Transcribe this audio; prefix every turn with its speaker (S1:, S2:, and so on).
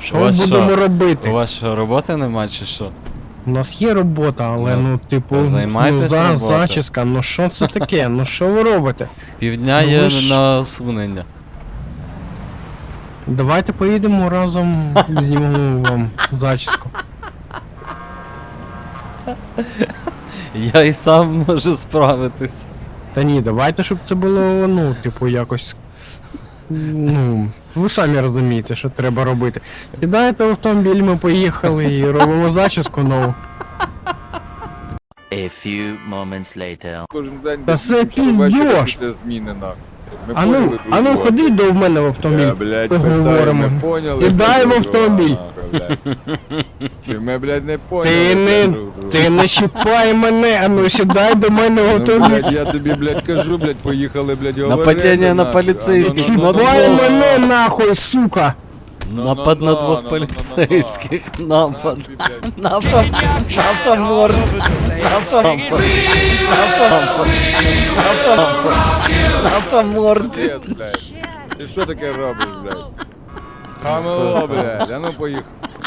S1: Що ми будемо робити?
S2: У вас що, роботи нема чи що?
S1: У нас є робота, але
S2: Ну,
S1: типу,
S2: то займайтесь роботою.
S1: зачіска, що це таке? Що ви робите?
S2: Півдня
S1: Ну,
S2: є
S1: ви ж-
S2: на усунення.
S1: Давайте поїдемо разом, знімемо вам зачіску.
S2: Я і сам можу справитись.
S1: Та ні, давайте, щоб це було, типу, якось. Ви самі розумієте, що треба робити. Сідаєте в автомобіль, ми поїхали і робимо зачіску нову.
S3: A few moments later.
S4: Кожен день
S1: Та це
S4: щовечора
S1: піздьош!
S4: після зміни нахуй. Ми
S1: Ану,
S4: поняли друг друга.
S1: ходи до мене в автомобіль.
S4: Блядь,
S1: поговоримо.
S4: питаю, ми поняли.
S1: Кидаємо
S4: друг друга,
S1: автомобіль.
S4: нахуй, блядь. Чи ми, блядь, не поняли? друг друга?
S1: Ти не чіпай мене, сідай до мене в
S4: Ну,
S1: автомобіль.
S4: блядь, я тобі, блядь, кажу, блядь, поїхали, блядь, говорити.
S2: Нападіння на
S4: нахуй.
S2: поліцейських,
S4: А, ну, ну, ну,
S1: Чіпай
S4: ну,
S1: мене нахуй, сука!
S2: Напад на двох поліцейських. Напад. Напад. Напад морд. Напад. Напад морд.
S4: Пиздец, блядь. Ти що таке робиш, блядь? Хамело, блядь, а ну поїхали.